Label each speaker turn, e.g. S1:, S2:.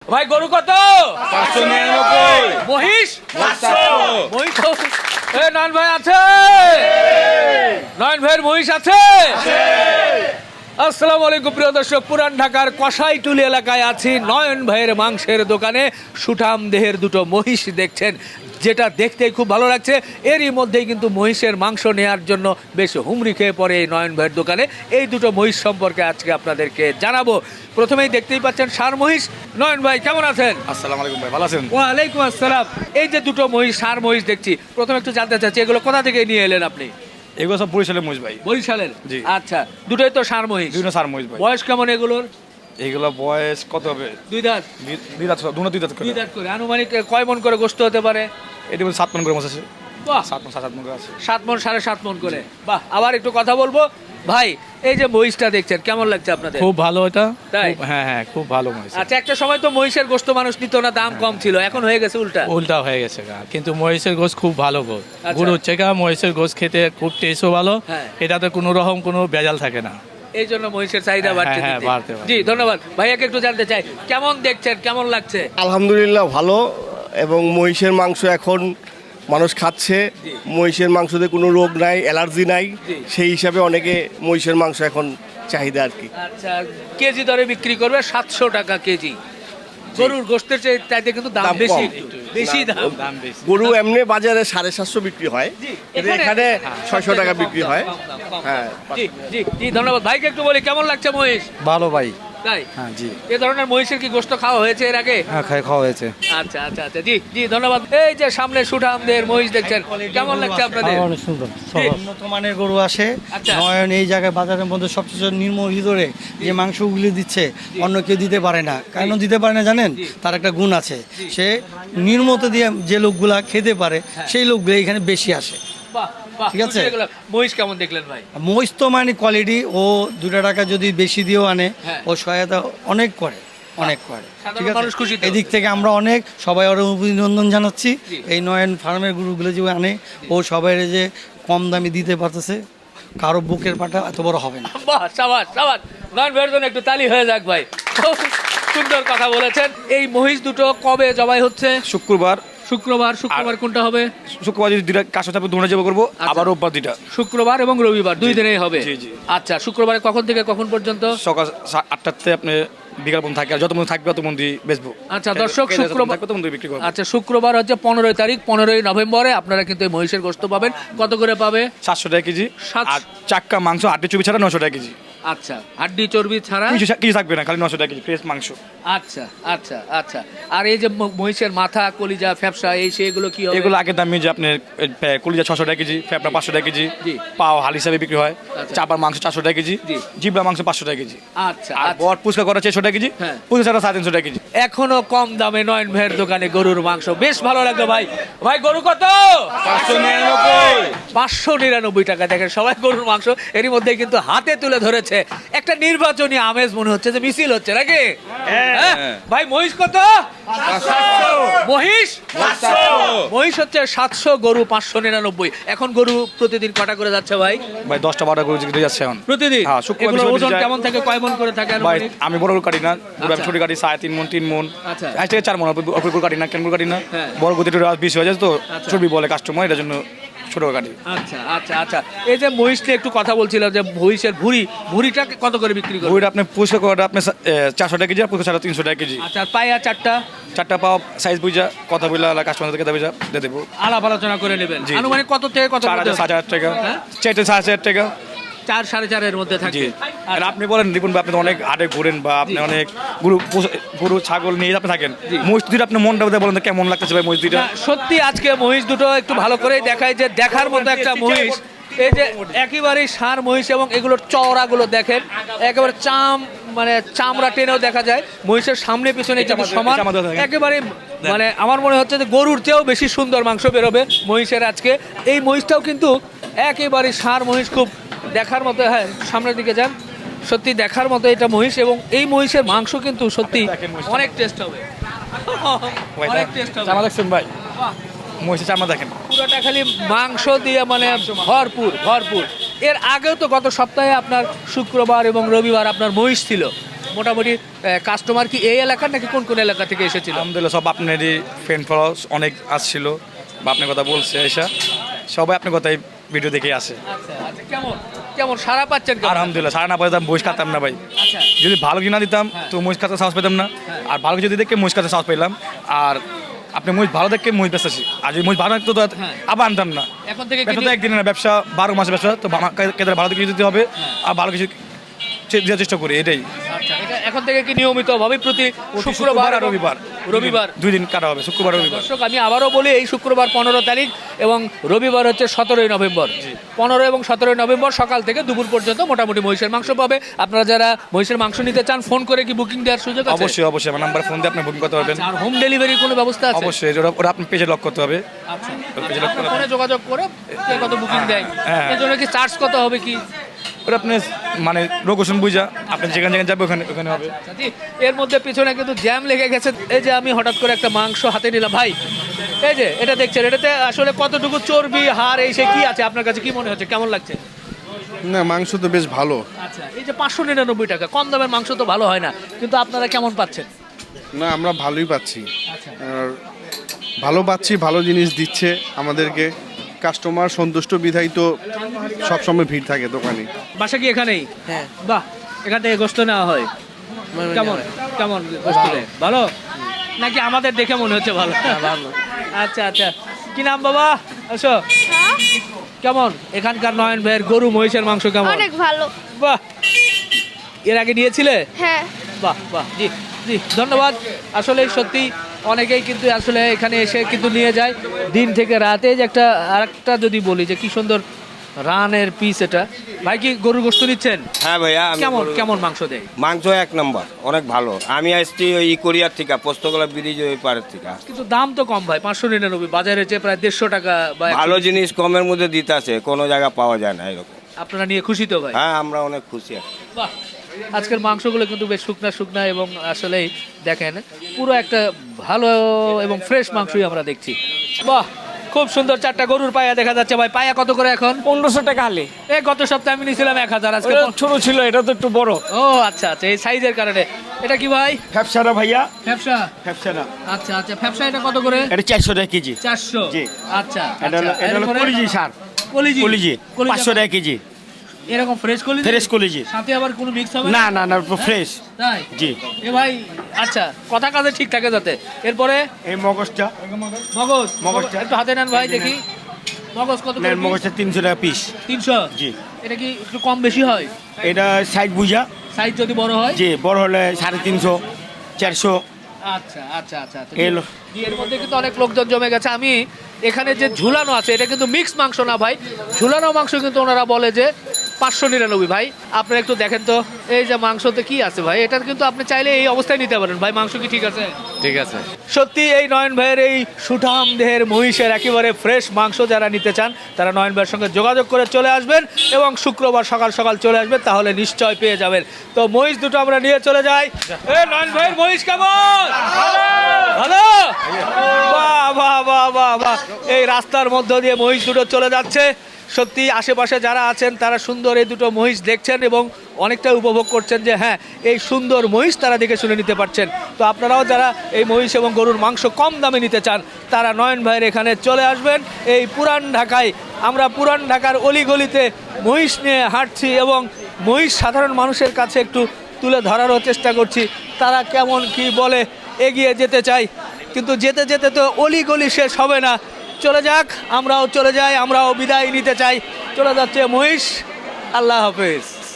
S1: ভাই গরু কত?
S2: 599।
S1: মহিষ?
S2: 500।
S1: মহিষ তো নয়ন ভাই আছে? নয়ন ভাইয়ের মহিষ আছে? আসসালামু আলাইকুম প্রিয় দর্শক, পুরান ঢাকার কসাইটুলি এলাকায় আছি। নয়ন ভাইয়ের মাংসের দোকানে সুঠাম দেহের দুটো মহিষ দেখছেন, যেটা দেখতে খুব ভালো লাগছে। এরই মধ্যেই কিন্তু মহিষের মাংস নেওয়ার জন্য বেশ হুমড়ি খেয়ে পড়ে এই নয়ন ভাইয়ের দোকানে। এই দুটো মহিষ সম্পর্কে আজকে আপনাদেরকে জানাবো। প্রথমেই দেখতেই পাচ্ছেন ষাঁড় মহিষ। নয়ন ভাই কেমন আছেন?
S2: আসসালামু আলাইকুম ভাই, ভালো আছেন?
S1: ওয়ালাইকুম আসসালাম। এই যে দুটো মহিষ, ষাঁড় মহিষ দেখছি, প্রথমে একটু জানতে চাচ্ছি এগুলো কোথা থেকে নিয়ে এলেন আপনি?
S2: এগুলো সব বরিশালের মহিষ ভাই।
S1: বরিশালের?
S2: জি।
S1: আচ্ছা, দুটোই তো ষাঁড় মহিষ।
S2: দুইটা সার মহিষ ভাই।
S1: বয়স কেমন এগুলোর?
S2: এইগুলো বয়স কত হবে?
S1: দুই দাঁত?
S2: দুই দাঁত, দুই দাঁত করে।
S1: দুই দাঁত করে। আনুমানিক কয় মন করে গোস্ত হতে পারে?
S2: এটি 7 মন করে মাছ আছে।
S1: বাহ,
S2: 7 মন 7 মন করে আছে।
S1: 7 মন 7.5 মন করে। বাহ, আবার একটু কথা বলবো ভাই। এই যে মহিষটা দেখছেন, কেমন লাগছে আপনাদের?
S2: খুব ভালো এটা।
S1: তাই?
S2: হ্যাঁ হ্যাঁ, খুব ভালো মহিষ।
S1: আচ্ছা, একটা সময় তো মহিষের গোস্ত মানুষ নিত না, দাম কম ছিল, এখন হয়ে গেছে উল্টা।
S3: উল্টা হয়ে গেছে গা, কিন্তু মহিষের গোশ খুব ভালো গোশ।
S1: আচ্ছা।
S3: গরু হচ্ছে গা, মহিষের গোশ খেতে খুব টেস্টও ভালো।
S1: হ্যাঁ।
S3: এটাতে কোনো রকম কোনো ভেজাল থাকে না।
S1: এই জন্য মহিষের চাহিদা বাড়ছে।
S3: হ্যাঁ,
S1: দিন দিন।
S3: বাড়তে পারে।
S1: জি, ধন্যবাদ ভাইয়াকে। একটু জানতে চাই কেমন দেখছেন, কেমন লাগছে?
S4: আলহামদুলিল্লাহ ভালো। এবং মহিষের মাংস এখন মানুষ খাচ্ছে।
S1: জি।
S4: মহিষের মাংসতে কোনো রোগ নাই, অ্যালার্জি নাই।
S1: জি।
S4: সেই হিসাবে অনেকে মহিষের মাংস এখন চাহিদা আর কি।
S1: আচ্ছা, কেজি দরে বিক্রি করবে 700 টাকা কেজি। গরুর গোস্তের চাইতে কিন্তু দাম
S4: দাম
S1: বেশি,
S4: কম।
S1: একটু বেশি দাম।
S3: দাম বেশি।
S4: গরু এমনি বাজারে 750 বিক্রি হয়,
S1: জি,
S4: কিন্তু এখানে 600 টাকা বিক্রি হয়।
S1: কম দাম, কম দাম।
S4: হ্যাঁ।
S1: জি জি জি, ধন্যবাদ ভাইকে। একটু বলি কেমন লাগছে মহিষ?
S5: ভালো ভাই।
S1: তাই?
S5: হ্যাঁ জি।
S1: এ ধরনের মহিষের কি গোস্ত খাওয়া হয়েছে এর আগে?
S5: হ্যাঁ খাওয়া হয়েছে।
S1: আচ্ছা আচ্ছা আচ্ছা, জি জি, ধন্যবাদ। এই যে সামনে সুঠামদের মহিষ দেখছেন, কেমন লাগছে আপনাদের?
S5: অনেক সুন্দর।
S1: জি।
S5: উন্নত মানের গরু আসে।
S1: আচ্ছা।
S5: নয়ন এই জায়গায় বাজারের মধ্যে সবচেয়ে নির্মল ধরে যে মাংসগুলি দিচ্ছে অন্য কেউ দিতে পারে না। কেন দিতে পারে না জানেন? তার একটা গুণ আছে। সে নির্মত দিয়ে যে লোকগুলা খেতে পারে সেই লোকগুলো এখানে বেশি আসে।
S1: বাহ বাহ,
S5: ঠিক আছে।
S1: বুঝে গেলাম। মহিষ কেমন দেখলেন ভাই?
S5: মহিষ তো মানে কোয়ালিটি, ও 2 টাকা যদি বেশি দিয়েও আনে,
S1: হ্যাঁ।
S5: ও সহায়তা অনেক করে, অনেক করে।
S1: সাধারণ
S5: ঠিক আছে,
S1: মানুষ খুশি তো?
S5: এদিক থেকে আমরা অনেক সবাই ওর অভিনন্দন জানাচ্ছি।
S1: জি।
S5: এই নয়ন ফার্মের গরুগুলো যে আনে, ও সবাই যে কম দামে দিতে পারতেছে, কারো বুকের পাটা এত বড় হবে না।
S1: বাহ, সাবাস সাবাস। নয়ন ভাইয়ের জন্য একটু তালি হয়ে যাক ভাই। খুব সুন্দর কথা বলেছেন। এই মহিষ দুটো কবে জবাই হচ্ছে?
S2: শুক্রবার।
S1: শুক্রবার কোনটা হবে?
S2: শুক্রবার যদি দুইটা কাজ থাকবে দুটো জব করবো,
S1: আচ্ছা।
S2: আবার রোববার দুইটা।
S1: শুক্রবার এবং রবিবার দুই দিনেই হবে।
S2: জি, জি।
S1: আচ্ছা, শুক্রবারে কখন থেকে কখন পর্যন্ত?
S2: সকাল 8টাতে আপনি বিকাল পর্যন্ত থাকবে, আর যত মধ্যে থাকবে তত মধ্যে বেচবো।
S1: আচ্ছা দর্শক, শুক্রবার
S2: থাকবে তত মধ্যে বিক্রি করবো।
S1: আচ্ছা, শুক্রবার হচ্ছে 15 তারিখ, 15 নভেম্বরে আপনারা কিন্তু এই মহিষের গোস্ত পাবেন। কত করে পাবে?
S2: 700 টাকা কেজি।
S1: 700
S2: আর চাক্কা মাংস 8 চর্বি ছাড়া 900 টাকা কেজি।
S1: আচ্ছা, হাড্ডি চর্বি ছাড়া?
S2: কিছু থাকবে না, খালি 900 টাকা কেজি ফ্রেশ মাংস।
S1: আচ্ছা আচ্ছা আচ্ছা। আর এই যে মহিষের মাথা, কলিজা, ফ্যাপসা, এই সেগুলো কি হবে?
S2: এগুলো আগের দামে যে আপনার কলিজা 600 টাকা কেজি, ফেপড়া 500 টাকা কেজি,
S1: জি।
S2: পাও হাল হিসাবে বিক্রি হয়।
S1: আচ্ছা।
S2: চাপার মাংস 400 টাকা কেজি,
S1: জি।
S2: জিবলা মাংস 500 টাকা কেজি।
S1: আচ্ছা
S2: আর
S1: আচ্ছা।
S2: বট পুচকা করা 600 টাকা কেজি,
S1: হ্যাঁ।
S2: পুচকা ছাড়া 350 টাকা কেজি।
S1: এখনো কম দামে নয়ন ভাইয়ের দোকানে গরুর মাংস। বেশ ভালো লাগলো ভাই। ভাই গরু কত? 599 টাকা। দেখেন সবাই গরুর মাংস এরই মধ্যে কিন্তু হাতে তুলে ধরেছে। একটা নির্বাচনী আমেজ মনে হচ্ছে যে মিছিল হচ্ছে নাকি? হ্যাঁ? ভাই মহিষ কত? মহিষ মহিষ হচ্ছে 700, গরু 599। এখন গরু প্রতিদিন কটা করে যাচ্ছে ভাই?
S2: ভাই 10টা 12টা গরু জিজ্ঞেস যাচ্ছে এখন।
S1: প্রতিদিন?
S2: হ্যাঁ, শুক্রবার
S1: এগুলোর
S2: বৃহস্পতি
S1: ওজন
S2: যায়।
S1: কেমন থাকে, কয় মন করে থাকে
S2: ভাই
S1: আনুমানিক?
S2: আমি বড় গরু কাটি না, গরু আমি
S1: আচ্ছা।
S2: ছোট কাটি 3.5 মন 3 মন,
S1: আচ্ছা।
S2: আজ থেকে 4 মন। অপর গরু কাটি না, কেন গরু কাটি না,
S1: হ্যাঁ।
S2: বড় গরু একটু বেশি হয়ে যায় তো,
S1: আচ্ছা।
S2: চর্বি বলে কাস্টমার, এটার জন্য ছোট কাটি।
S1: আচ্ছা আচ্ছা আচ্ছা। এই যে মহিষ নিয়ে একটু কথা বলছিলাম, যে মহিষের ভুঁড়িটা কত করে বিক্রি করবে?
S2: গরুটা আপনি পুষকা করাটা আপনি 400 টাকা কেজি, আর পুষকা ছাড়া 300 টাকা কেজি।
S1: আচ্ছা, আর পায়া চারটা?
S2: 4টা পাও সাইজ বুঝা কথা বললা কাস্টমার থেকে দাবি দিয়ে দেবো।
S1: আলাপ আলোচনা করে নেবেন।
S2: জি।
S1: আনুমানিক কত থেকে কত?
S2: 4,000 টাকা,
S1: হ্যাঁ?
S2: 4,500 টাকা।
S1: 4-4.5 মধ্যে
S2: জি।
S1: থাকবে।
S2: আর আপনি বলেন দেখুন, আপনি তো অনেক হাটে ঘুরেন বা আপনি
S1: জি।
S2: অনেক গরু ছাগল নিয়ে আপনি থাকেন,
S1: জি।
S2: মসজিদ আপনি মনটা বলেন তো কেমন লাগতেছে ভাই মসজিদটা?
S1: না, সত্যি আজকে মহিষ দুটো একটু ভালো করেই দেখায়, যে দেখার মতো একটা মহিষ। এই যে একেবারে ষাঁড় মহিষ, এবং এগুলোর চওড়াগুলো দেখেন, একেবারে মানে চামড়া টেনেও দেখা যায়। মহিষের সামনে পিছনে কিন্তু সমান, একেবারে মানে আমার মনে হচ্ছে যে গরুর চেয়েও বেশি সুন্দর মাংস বেরোবে মহিষের আজকে। এই মহিষটাও কিন্তু একেবারে ষাঁড় মহিষ, খুব দেখার মতো। হ্যাঁ, সামনের দিকে যান। সত্যি দেখার মতো এটা মহিষ, এবং এই মহিষের মাংস কিন্তু সত্যি অনেক টেস্ট হবে। অনেক টেস্ট হবে।
S2: চামা দেখছেন ভাই,
S1: বাহ,
S2: মহিষের চামা দেখেন।
S1: পুরোটা খালি মাংস দিয়ে, মানে ভরপুর ভরপুর। এর আগেও তো গত সপ্তাহে আপনার শুক্রবার এবং রবিবার আপনার মহিষ ছিল। মোটামুটি কাস্টমার কি এই এলাকার নাকি কোন কোন এলাকা থেকে এসেছিল?
S2: আলহামদুলিল্লাহ সব আপনারই ফ্রেন্ড ফলোয়ার্স অনেক আসছিল বা আপনার কথা বলছে এসা সবাই আপনার কথাই ভিডিও দেখে আসে।
S1: আচ্ছা আচ্ছা, কেমন কেমন সারা পাচ্ছেন কেমন?
S2: আলহামদুলিল্লাহ সারা না পাইতাম মহিষ খাতাম না ভাই।
S1: আচ্ছা
S2: যদি ভালো কিনা দিতাম তো মহিষ খাতে সাহস পেতাম না, আর ভালো কিছু দেখে মহিষ খাতে সাহস পেলাম। আর আপনি মহিষ ভালো দেখে মহিষ বেচতেছি, আর যদি মহিষ ভালো থাকতো তো আবার আনতাম না।
S1: এখন থেকে কি
S2: ব্যবসা তো একদিনের না, ব্যবসা 12 মাসের ব্যবসা, তো কেদের ভালো কিছু দিতে হবে আর ভালো কিছু দেওয়ার চেষ্টা করি, এটাই।
S1: আচ্ছা, এটা এখন থেকে কি নিয়মিত ভাবে প্রতি শুক্রবার আর রবিবার
S2: 2 দিন কাটা হবে, শুক্রবার রবিবার।
S1: দর্শক আমি আবারও বলি, এই শুক্রবার 15 তারিখ এবং রবিবার হচ্ছে 17 নভেম্বর। 15 এবং 17 নভেম্বর সকাল থেকে দুপুর পর্যন্ত মোটামুটি মহিষের মাংস পাবে। আপনারা যারা মহিষের মাংস নিতে চান ফোন করে কি বুকিং দেওয়ার সুযোগ আছে?
S2: অবশ্যই অবশ্যই আমার নাম্বার ফোন দিয়ে আপনি বুকিং করতে পারবেন।
S1: আর হোম ডেলিভারির কোনো ব্যবস্থা আছে?
S2: অবশ্যই, ওটা আপনি পেজে লক করতে হবে।
S1: আচ্ছা,
S2: পেজে লক করতে
S1: ফোনে যোগাযোগ করে কে কত বুকিং দেয়, এর জন্য কি চার্জ কত হবে কি?
S2: ওটা আপনি মানে লোকেশন বুঝা আপনি যেখানে যেখানে যাবে ওখানে ওখানে হবে।
S1: জি, এর মধ্যে পিছনে কিন্তু জ্যাম লেগে গেছে। এই যে আমি হঠাৎ করে একটা মাংস হাতে নিলাম ভাই, এই যে এটা দেখছেন, এটাতে আসলে কতটুকু চর্বি হাড় এই সে কি আছে আপনার কাছে কি মনে হচ্ছে, কেমন লাগছে?
S6: না, মাংস তো বেশ ভালো।
S1: আচ্ছা, এই যে 599 টাকা কম দামের মাংস তো ভালো হয় না, কিন্তু আপনারা কেমন পাচ্ছেন?
S6: না, আমরা ভালোই পাচ্ছি।
S1: আচ্ছা,
S6: আর ভালো পাচ্ছি, ভালো জিনিস দিচ্ছে আমাদেরকে। কাস্টমার সন্তুষ্ট বিধায় তো সবসময় ভিড় থাকে দোকানে।
S1: বাসা কি এখানেই?
S7: হ্যাঁ।
S1: বাহ, এখান থেকে গোস্ত নেওয়া হয়। কেমন কেমন গোস্ত দেয়? ভালো নাকি আমাদের দেখে মনে হচ্ছে ভালো?
S7: ভালো।
S1: আচ্ছা আচ্ছা, কি নাম বাবা? আসো। কেমন এখানকার নয়ন ভাইয়ের গরু মহিষের মাংস কেমন?
S8: অনেক ভালো।
S1: বাহ, এর আগে নিয়েছিলে?
S8: হ্যাঁ।
S1: বাহ বাহ, জি জি ধন্যবাদ। আসলে সত্যি অনেকেই কিন্তু আসলে এখানে এসে কিন্তু নিয়ে যায় দিন থেকে রাতে। যে একটা আরেকটা যদি বলি যে কি সুন্দর রানের পিস, এটা ভাই কি গরুর গোশত নিচ্ছেন?
S9: হ্যাঁ ভাইয়া, আমি
S1: কেমন কেমন মাংস দেয়?
S9: মাংস 1 নম্বর, অনেক ভালো। আমি আসছি ওই কোরিয়ার থেকে, পোস্তগোলা ব্রিজ ওই পাড়ের থেকে।
S1: কিন্তু দাম তো কম ভাই, 599, বাজারে যে প্রায় 150 টাকা বা
S9: ভালো জিনিস কমের মধ্যে দিতে আছে, কোনো জায়গা পাওয়া যায় না এরকম।
S1: আপনারা নিয়ে খুশি তো ভাই?
S9: হ্যাঁ, আমরা অনেক খুশি আছি।
S1: বাহ, আজকের মাংসগুলো কিন্তু বেশ শুকনা শুকনা এবং আসলেই দেখেন পুরো একটা ভালো এবং ফ্রেশ মাংসই আমরা দেখছি। বাহ, খুব সুন্দর 4টা গরুর পায়া দেখা যাচ্ছে ভাই। পায়া কত করে এখন?
S7: 1500 টাকা আলে।
S1: এই গত সপ্তাহে আমি নিয়েছিলাম 1000, আজকে
S7: ছোট ছিল, এটা তো একটু বড়।
S1: ও আচ্ছা আচ্ছা, এই সাইজের কারণে। এটা কি ভাই?
S7: ফ্যাপসাটা ভাইয়া,
S1: ফ্যাপসা?
S7: ফ্যাপসাটা
S1: আচ্ছা আচ্ছা, ফ্যাপসা এটা কত করে?
S7: এটা 400 টাকা কেজি।
S1: 400?
S7: জি।
S1: আচ্ছা,
S7: এটা হলো
S1: আচ্ছা,
S7: এটা হলো
S1: এরপরে?
S7: কলিজি সার,
S1: কলিজি?
S7: কলিজি 500 টাকা কেজি।
S1: এরকম ফ্রেশ কলিজি?
S7: ফ্রেশ কলিজি।
S1: সাথে আবার কোনো মিক্স হবে
S7: না না না, ফ্রেশ।
S1: তাই?
S7: জি।
S1: এ ভাই, আচ্ছা, কথা কাজে ঠিক থাকে যাতে। এরপরে
S7: এই মগজটা,
S1: মগজটা একটু হাতে নেন ভাই দেখি। মগজ কত করে?
S7: মগজটা 300 টাকা পিস।
S1: 300?
S7: জি।
S1: এটা কি একটু কম বেশি হয়?
S7: এটা সাইজ বুঝা,
S1: সাইজ যদি বড় হয়?
S7: জি, বড় হলে 350 400।
S1: আচ্ছা আচ্ছা আচ্ছা আচ্ছা।
S7: এলো।
S1: জি, এর মধ্যে কিন্তু অনেক লোকজন জমে গেছে। আমি এখানে যে ঝুলানো আছে এটা কিন্তু মিক্স মাংস না ভাই, ঝুলানো মাংস কিন্তু ওনারা বলে যে 599 ভাই। আপনারা একটু দেখেন তো এই যে মাংসতে কি আছে ভাই, এটা কিন্তু আপনি চাইলে এই অবস্থায় নিতে পারেন ভাই। মাংস কি ঠিক আছে?
S3: ঠিক আছে।
S1: সত্যি এই নয়ন ভাইয়ের এই সুঠাম দেহের মহিষের একেবারে ফ্রেশ মাংস যারা নিতে চান তারা নয়ন ভাইয়ের সঙ্গে যোগাযোগ করে চলে আসবেন এবং শুক্রবার সকাল সকাল চলে আসবেন, তাহলে নিশ্চয় পেয়ে যাবেন। তো মহিষ দুটো আমরা নিয়ে চলে যাই। এ নয়ন ভাইয়ের মহিষ কেমন? ভালো? বাহ বাহ বাহ বাহ বাহ, এই রাস্তার মধ্য দিয়ে মহিষ দুটো চলে যাচ্ছে। সত্যি আশেপাশে যারা আছেন তারা সুন্দর এই দুটো মহিষ দেখছেন এবং অনেকটা উপভোগ করছেন যে হ্যাঁ, এই সুন্দর মহিষ তারা দেখে শুনে নিতে পারছেন। তো আপনারাও যারা এই মহিষ এবং গরুর মাংস কম দামে নিতে চান তারা নয়ন ভাইয়ের এখানে চলে আসবেন। এই পুরান ঢাকায় আমরা পুরান ঢাকার অলিগলিতে মহিষ নিয়ে হাঁটছি এবং মহিষ সাধারণ মানুষের কাছে একটু তুলে ধরারও চেষ্টা করছি, তারা কেমন কি বলে। এগিয়ে যেতে চাই, কিন্তু যেতে যেতে তো অলিগলি শেষ হবে না। চলে যাক, আমরাও চলে যাই, আমরাও বিদায় নিতে চাই। চলে যাচ্ছে মহিষ। আল্লাহ হাফেজ।